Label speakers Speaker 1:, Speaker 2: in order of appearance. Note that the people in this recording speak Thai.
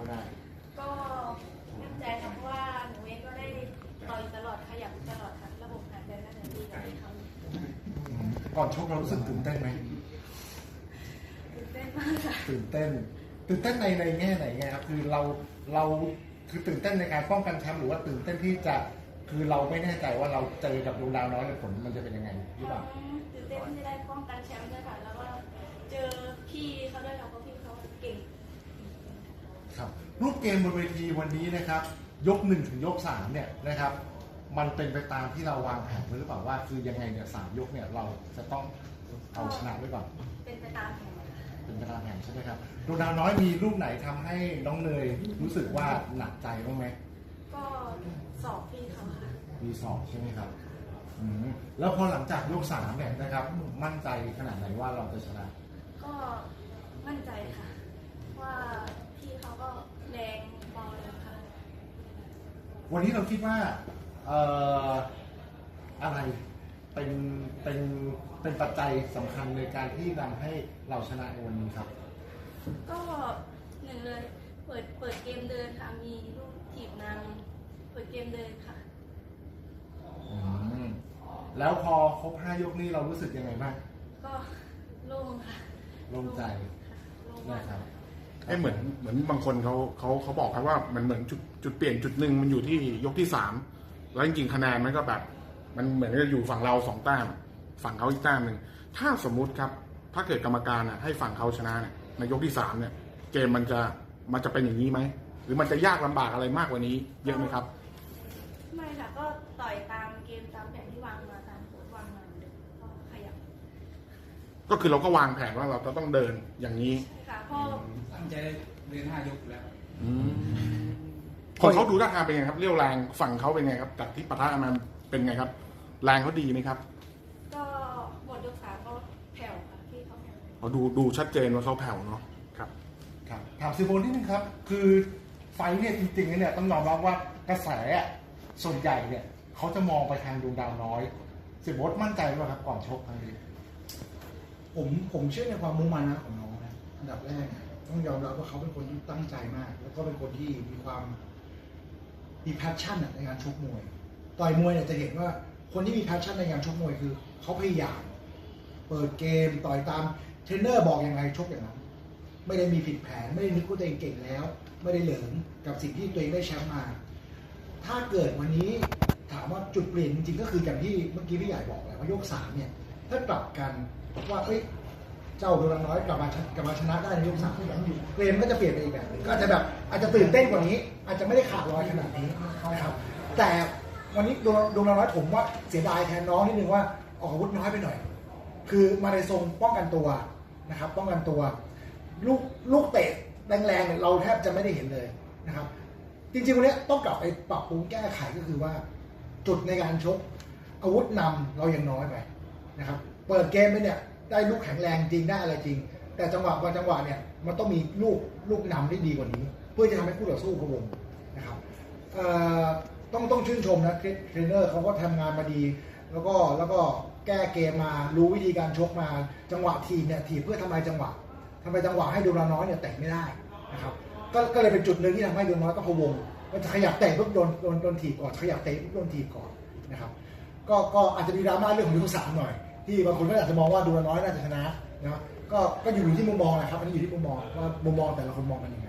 Speaker 1: ได้
Speaker 2: ก็มั่นใจค่ะเพราะว่าหนูเองก็ได้ต่อยตลอดขยับตลอดค่ะระบบหายใจน่าจะดีกว่าที่เขา
Speaker 1: ก่อนชกเรารู้สึกตื่นเต้นไหม
Speaker 2: ตื่นเต้นมากค่ะ
Speaker 1: ตื่นเต้นในแง่ไหนไงครับคือเราคือตื่นเต้นในการป้องกันแชมป์หรือว่าตื่นเต้นที่จะคือเราไม่แน่ใจว่าเราเจอกับดวงดาวน้อยผลมันจะเป็นยังไงหรือเปล่า
Speaker 2: ตื่นเต้นที่ได้ป้องกันแชมป์ด้วยค่ะแล้วก็เจอพี่เขาด้วยค่ะเพราะพี่เขาเก่ง
Speaker 1: ครับรูปเกมบนเวทีวันนี้นะครับยก1ถึงยก3เนี่ยนะครับมันเป็นไปตามที่เราวางแผนไว้หรือเปล่าว่าคือยังไงเนี่ย3 ยกเนี่ยเราจะต้องเอาชนะไว้ก่อน
Speaker 2: เป็นไปตามแผน
Speaker 1: เป็นไปตามแผนใช่ไหมครับดวงดาวน้อยมีลูกไหนทำให้น้องเนยรู้สึกว่าหนักใจบ้างไหม
Speaker 2: ก็สอบพี่เขาค่ะ
Speaker 1: มีสอบใช่ไหมครับแล้วพอหลังจากยก3เนี่ยนะครับมั่นใจขนาดไหนว่าเราจะชนะ
Speaker 2: ก็มั่นใจค่ะว่าพี่เขาก็แรงพอเลยค่ะ
Speaker 1: วันนี้เราคิดว่าอะไรเป็นปัจจัยสำคัญในการที่นำให้เราชนะในวันนี้ครับ
Speaker 2: ก็หนึ่งเลยเปิดเกมเดินค่ะมีลูกถีบนำเปิดเกมเดินค่ะ
Speaker 1: แล้วพอครบ5 ยกนี้เรารู้สึกยังไงบ้าง
Speaker 2: ก็โล่งค่ะ
Speaker 1: โล่งใจนะครับ
Speaker 3: เหมือนบางคนเขาบอกครับว่ามันเหมือนจุดเปลี่ยนจุดหนึ่งมันอยู่ที่ยกที่3แล้วจริงๆคะแนนมันก็แบบมันเหมือนจะอยู่ฝั่งเรา2 แต้มฝั่งเขาอีกแต้มหนึ่งถ้าสมมุติครับถ้าเกิดกรรมการให้ฝั่งเขาชนะเนี่ยในยกที่3เนี่ยเกมมันจะเป็นอย่างนี้ไหมหรือมันจะยากลำบากอะไรมากกว่านี้เยอะไหมครับ
Speaker 2: ไม่ค่ะก็ต่อยตามเกมตามแผนที่วางมาตามโค้ชวางมาก็ขยับ
Speaker 3: ก็คือเราก็วางแผนว่าเราจะต้องเดินอย่างนี้
Speaker 2: ค่ะพ่อ
Speaker 4: ตั้งใจเดิน5 ยกแล้ว
Speaker 3: คนเขาดูท่าทางเป็นไงครับเรี่ยวแรงฝั่งเขาเป็นไงครับจากที่ปะทะมันเป็นไงครับแรงเขาดีไหมครับ
Speaker 2: ก็หมดยก3ก็แผ่วค่ะที่เขาแผ่ว
Speaker 3: เขาดูชัดเจนว่าเขาแผ่วเนาะครับ
Speaker 1: ถามซิโบนิดนึงครับคือไฟเนี่ยจริงๆเนี่ยต้องยอมรับว่ากระแสส่วนใหญ่เนี่ยเขาจะมองไปทางดวงดาวน้อยซิโบนมั่นใจไหมครับก่อนชกครั้งนี้
Speaker 5: ผมเชื่อในความมุ่งมั่นนะของน้องนะอันดับแรกต้องยอมรับว่าเขาเป็นคนที่ตั้งใจมากแล้วก็เป็นคนที่มีแพชชั่นในการชกมวยต่อยมวยเนี่ยจะเห็นว่าคนที่มีแพชชั่นในการชกมวยคือเขาพยายามเปิดเกมต่อยตามเทรนเนอร์บอกอย่างไรชกอย่างนั้นไม่ได้มีผิดแผนไม่ได้นึกว่าตัวเองเก่งแล้วไม่ได้เหลิงกับสิ่งที่ตัวเองได้แชมป์มาถ้าเกิดวันนี้ถามว่าจุดเปลี่ยนจริงๆก็คืออย่างที่เมื่อกี้พี่ใหญ่บอกแหละว่ายก3เนี่ยถ้ากลับกันว่าเจ้าดวงน้อยกลับมาชนะได้ในยก3เกมก็จะเปลี่ยนไปอีกแบบก็อาจจะตื่นเต้นกว่านี้อาจจะไม่ได้ขาดลอยขนาดนี้นะครับแต่วันนี้ดวงน้อยผมว่าเสียดายแทนน้องนิดนึงว่าออกอาวุธน้อยไปหน่อยคือมาในทรงป้องกันตัวนะครับป้องกันตัวลูกเตะแรงๆเนี่ยเราแทบจะไม่ได้เห็นเลยนะครับจริงๆวันนี้ต้องกลับไปปรับปรุงแก้ไขก็คือว่าจุดในการชกอาวุธนำเรายังน้อยไปนะครับเปิดเกมไปเนี่ยได้ลูกแข็งแรงจริงได้อะไรจริงแต่จังหวะบางจังหวะเนี่ยมันต้องมีลูกนำที่ดีกว่านี้เพื่อจะทำให้คู่ต่อสู้พะวงนะครับต้องชื่นชมนะเทรนเนอร์เขาก็ทำงานมาดีแล้วก็แก้เกมมารู้วิธีการชกมาจังหวะทีเนี่ยทีเพื่อทำลายจังหวะให้ดวงน้อยเนี่ยเตะไม่ได้นะครับก็เลยเป็นจุดหนึ่งที่ทำให้ดวงน้อยก็พะวงมันจะขยับเตะปุ๊บโดนถีบก่อนขยับเตะปุ๊บโดนถีบก่อนนะครับก็อาจจะมีดราม่าเรื่องของยก3หน่อยที่บางคนก็อาจจะมองว่าดวงน้อยน่าจะชนะนะก็อยู่ที่มุมมองแหละครับอันนี้อยู่ที่มุมมองว่ามุมมองแต่ละคนมองกันยังไง